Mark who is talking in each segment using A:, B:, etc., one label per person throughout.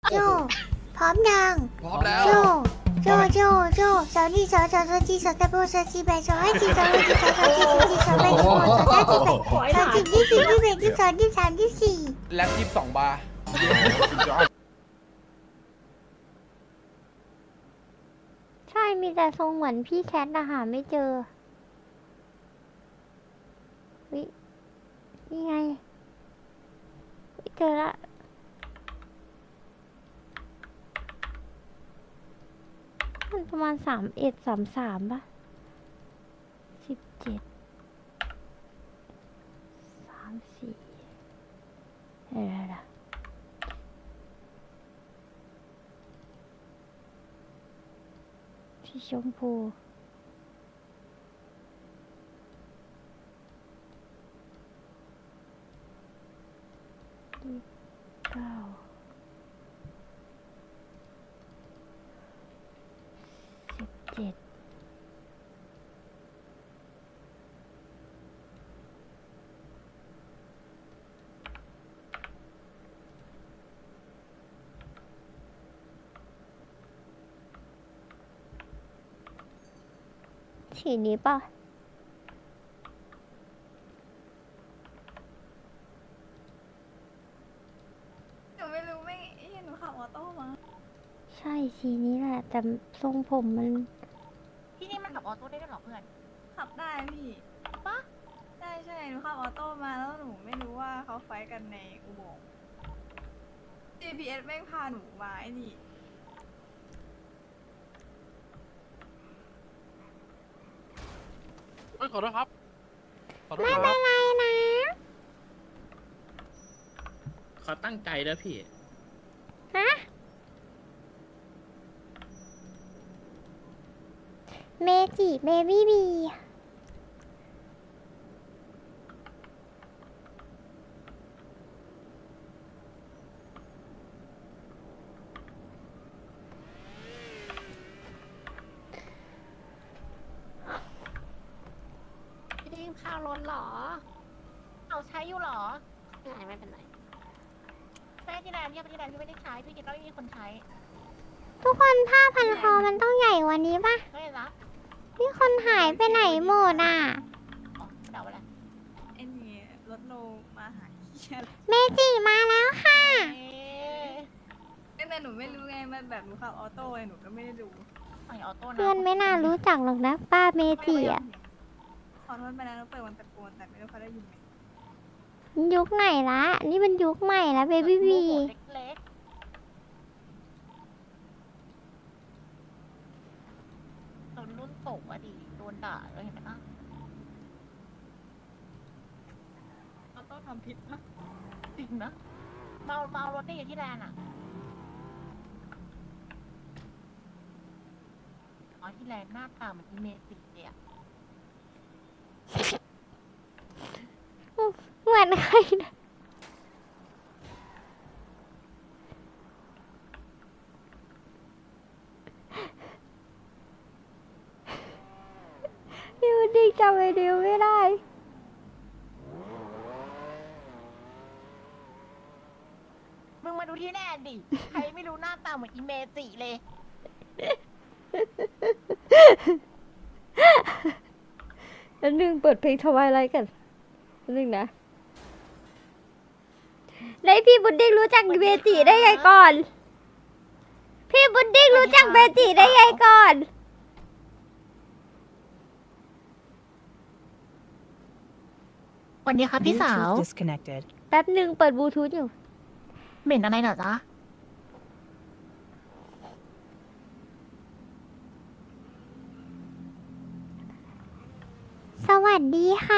A: โจพร้อมยัง
B: พร้อมแล้ว
A: โจสาวนี่สาวจีสาวตะโบสาวจีแบสาวให้จีสาวให้จีสาวจีสาวแบสาวสาวจีแบสาวจีที่สี่ที่แบที่สองที่สามที่สี่
B: แล็บ22 บาร์
A: ใช่มีแต่ทรงเหมือนพี่แคทนะหาไม่เจอวินี่ไงวิเจอละมันประมาณ31 33ป่ะ17 34เดี๋ยวสีชมพู9 17สีนี้ป่ะ
C: หนูไม่รู้ไม่เห็นหนูขับออโต้มา
A: ใช่สีนี้แหละแต่ทรงผมมัน
D: ที่นี่มันขับออโต้ได้ด้วยเหรอเพื่อน
C: ขับได้พี่ปะใช่หนูขับออโต้มาแล้วหนูไม่รู้ว่าเขาไฟท์กันในอุโมงค์ GPS แม่งพาหนูมาไอ้นี่
B: เฮ้ยขอโทษครับ ขอโทษ
A: ไม่
B: ค
A: เป็
B: รั
A: น
B: บ
A: ไรนะ
E: เขาตั้งใจแล้วพี่
A: ฮะเมจิเบบี้บี
D: พี่ดิ้งข้าวรถเหรอ เอาใช้อยู่เหรอไม่เป็นไรแม่ที่แดนพี่ไม่ได้ใช้ พี่คิดว่าไม่มีคนใช้
A: ทุกคนผ้าพันคอมันต้องใหญ่กว่านี้ป่ะ
D: ไม่ได้รับ
A: นี่คนหายไปไหนหมดอ่ะ
D: อ๋อเดาไปแล้ว
C: ไอ้นี่รถโลมาหาเหี้ย
A: เมจิมาแล้วค่ะ
D: เอ๊ะ
C: แต่หนูไม่รู้ไงมันแบบหนูขับออโต้ไงหนูก็ไม่ได้ดู
D: ไอออโต้นะ
A: เพื่อนไม่น่ารู้จักหรอกนะป้าเมจิอ่ะ
C: ขอโทษไปแล้วเปิดวันตะโกนแต่ไม่รู้เขาได้ยินไหม
A: ยุคไหนละนี่มันยุคใหม่ละเบบี้บี
D: เล็กๆโดนรุ่นตกอะดิโดนด่าเลยเห็นไหมล่ะ
C: ออโต้ทำผิดปะ
D: จริงนะเมารถได้อยู่ที่แลนด์อะอ๋อที่แลนด์หน้าตาเหมือนอีเมจิเลยอะ
A: เหมือนใครนะพี่วันดีจำไอเดียวไม่ได้
D: มึงมาดูที่แลนด์ดิ ใครไม่รู้หน้าตาเหมือนอีเมจิเลย
A: แล้วนึงเปิดเพลงทวายไลท์กันนึงนะแล้วพี่บุดดิ้งรู้จักเบจิได้ไงก่อน พี่บุดดิ้งรู้จักเบจิได้ไงก่อน
D: วันนี้ครับพี่สาว
F: Bluetooth disconnected.
A: แป๊บหนึ่งเปิดบลูทูธอยู่
D: เหม็นอะไรเหรอจ๊ะ
A: สวัสดีค่ะ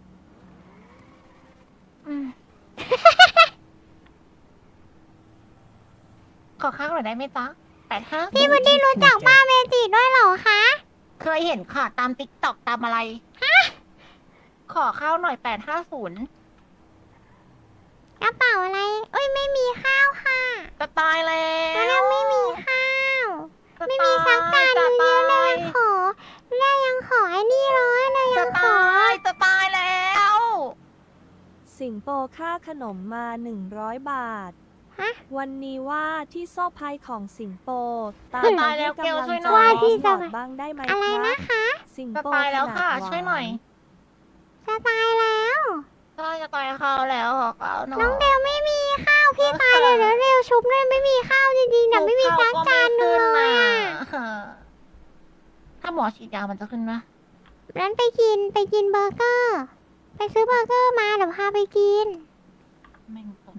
D: ขอข้าวหน่อยได้ไหมจ๊ะ85
A: พี่บุดดิ้งรู้จักป้าเบจิด้วยเหรอคะ
D: เคยเห็นค่ะตามติ๊กต็อกตามอะไร ขอข้าวหน่อย850
A: กระเป๋าอะไร เอ้ยไม่มีข้าวค่ะ
D: จะตายแล้ว
A: เราไม่มีข้าว
D: จะ
A: ไม่มีสักจาน
D: จะ
A: เดียวเล
D: ตาย
A: ยยังขอไอ้นี่เลยเรายั
D: จะ
A: งขอ
D: จะตายแล้ว
F: สิงโปค่าขนมมา100 บาท
A: ฮะ
F: วันนี้ว่าที่โซ่พายของสิงโปตาม
D: ตา
F: มาย
D: แล้ว
F: ให้
D: เกล
F: กำลัง
D: ช่วยห
F: ใจ
D: น่อย
A: ที่
F: บ
A: จะ
F: อกบ้างได้ไหม
A: อะไร
F: ครั
A: นะ
F: บ
A: คะ
F: สิง
D: จะ
F: โป
D: ตายแล้วค่ะ
F: ขนาดหวาน
D: ช่วยหน่อย
A: จะตายแล้ว
D: ใช่จะตายเขาแล้วขอเขาหน่อย
A: น้องเดลไม่มีข้าวพี่ตายเลยแล้วเร็วชุบเลยไม่มีข้าวจริงๆแต่ไม่มีสักจานหนึงเลยอ่ะ
D: ถ้าหมอฉีดยามันจะขึ้นไหม
A: นั้นไปกินเบอร์เกอร์ ไปซื้อเบอร์เกอร์มาเดี๋ยวพาไปกิน
D: แม่งตรง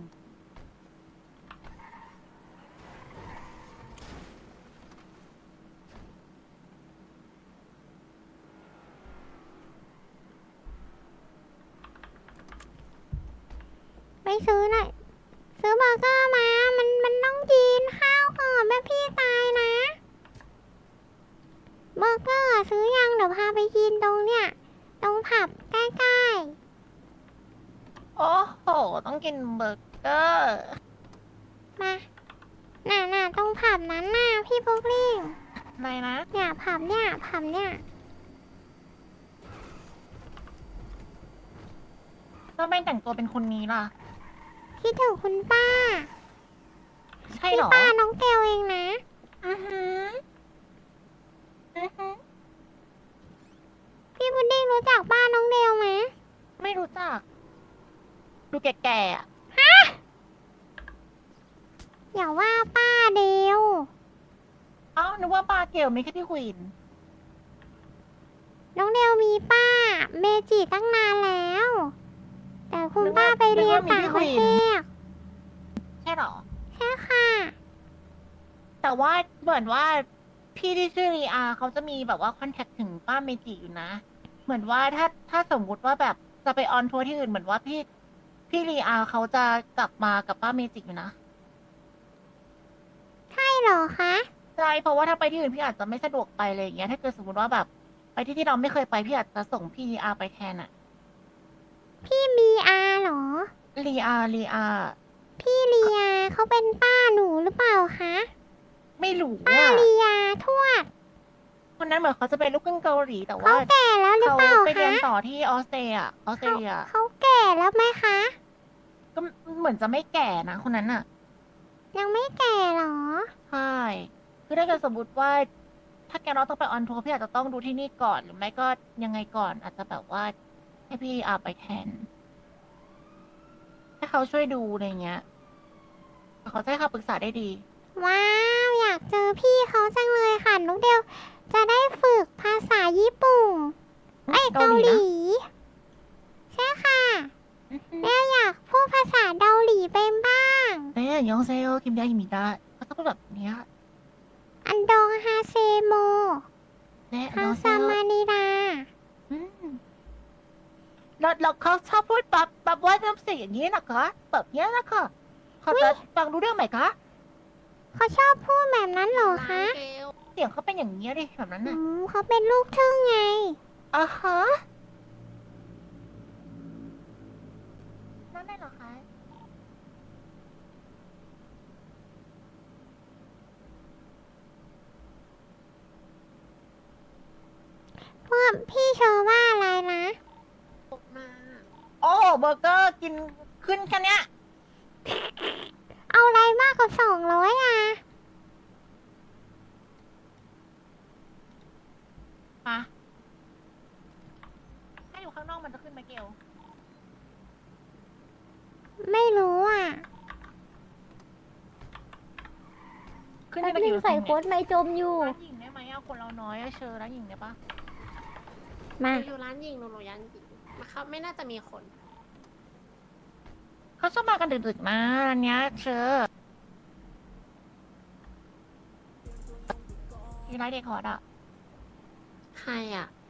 A: ไปซื้อหน่อยซื้อเบอร์เกอร์มา มันต้องกินข้าวก่อนแม่พี่ตายนะ เบอร์เกอร์ซื้อยังเดี๋ยวพาไปกินตรงเนี้ยตรงผับใกล้
D: โอ้โห ต้องกินเบอร์เกอร์
A: ๆ มาน่ะตรงผับนั้นน่ะพี่พุกลิง
D: อะไรนะ
A: เนี่ยผับเนี่ย
D: ก็ไม่แต่งตัวเป็นคนนี้ล่ะ
A: คิดถึงคุณป้า
D: ใช่
A: พี่
D: เหรอ
A: ป้าน้องเกลเองนะ
D: อือหืออือหือ
A: พี่พุดดิ้งรู้จักป้าน้องเดลไหม
D: ไม่รู้จัก ดูแก่ๆอ่ะ
A: อย่าว่าป้าเดล
D: เอ้านึกว่าปลาเกลไม่ใช่พี่ควีน
A: น้องเดลมีป้าเมจิตั้งนานแล้ว แต่คุณป้าไปเรียนต่างประเทศ
D: ใช่เหรอ
A: ใช่ค่ะ
D: แต่ว่าเหมือนว่าพี่ที่ชื่อรีอาเขาจะมีแบบว่าคอนแทคถึงป้าเมจิอยู่นะ เหมือนว่าถ้าสมมุติว่าแบบจะไปออนทัวร์ที่อื่นเหมือนว่าพี่รีอาเขาจะกลับมากับป้าเมจิอยู่นะ
A: ใช่เหรอคะ
D: ใช่เพราะว่าถ้าไปที่อื่นพี่อาจจะไม่สะดวกไปเลยอย่างเงี้ยถ้าเกิดสมมติว่าแบบไปที่เราไม่เคยไปพี่อาจจะส่งพี่รีอาไปแทนอะ
A: พี่มีอาเหรอ
D: รีอา
A: พี่เลียเขาเป็นป้าหนูหรือเปล่าคะ
D: ไม่รู้
A: ป้า
D: ว่า
A: เลียทวด
D: คนนั้นเหมือนเขาจะเป็นลูกครึ่งเกาหลีแต่
A: เขา
D: ว่า
A: แก่แล้วหรือ
D: เขา
A: เปล่า
D: ไปเรีย
A: คะ
D: นต่อที่ออสเตรเลีย
A: เขาแก่แล้วไหมคะ
D: ก็เหมือนจะไม่แก่นะคนนั้นอะ
A: ยังไม่แก่เหรอ
D: ใช่คือถ้าเกิดสมมติว่า ถ้าแกน้องต้องไปออนทัวร์พี่อาจจะต้องดูที่นี่ก่อนหรือไม่ก็ยังไงก่อน อาจจะแบบว่าให้พี่อาไปแทนให้เขาช่วยดูอะไรเงี้ยเขาจะให้คำปรึกษาได้ดี
A: ว้าวอยากเจอพี่เขาจังเลยค่ะน้องเดลจะได้ฝึกภาษาญี่ปุ่นเอ้ยเกาหลี ใช่ค่ะเดลอยากพูดภาษาเกาหลีเป็นบ้าง
D: เอ้ยยองเซโอคิมยาคิมิดะเขาต้องพูดแบบเนี้ย
A: อันดองฮาเซโม
D: เน่ย
A: ฮั
D: ย
A: ง
D: องเซ
A: ซา
D: โอ
A: มานิดา
D: แล้วเขาชอบพูดแบบว่าน้ำเสียงอย่างนี้นะคะแบบเนี้ยนะคะเขาจะฟังรู้เรื่องไหมคะ
A: เขาชอบพูดแบบนั้นเหรอคะ
D: เสียงเขาเป็นอย่างนี้ยดิแบบนั้น
A: อื
D: น่ะ
A: มเขาเป็นลูกทึ่งไง
D: อ่าฮะนั่นได้เหรอคะ
A: พวกพี่เชอว่าอะไรนะ
D: โอ้เบอร์เกอร์กินขึ้นแค่เนี้ย
A: เอาอะไรมากกว่า200อ่ะ
D: มาถ้าอยู่ข้างนอกมันจะขึ้นไหมเกล
A: ไม่รู้อ่ะ
D: ขึ้น
G: แป๊
D: ได้
G: บ
D: ไป
G: นึ
D: กี่
G: ง
D: เปอร์
G: ใส่
D: เซ็นต์
G: โค้
D: เนี่ย
G: ดไม่จมอยู่
D: ร้านหญิงได้ไหมอะคนเราน้อยอะเชอร้านหญิงได้ปะ
A: มา
G: อยู่ร้านหญิงหนูร้านหญิงนะครับไม่น่าจะมีคน
D: เขาชอบมากันดึกๆนะร้านเนี้ยเชอที่ร้านเด็กฮอตอะ
G: ใครอ่ะ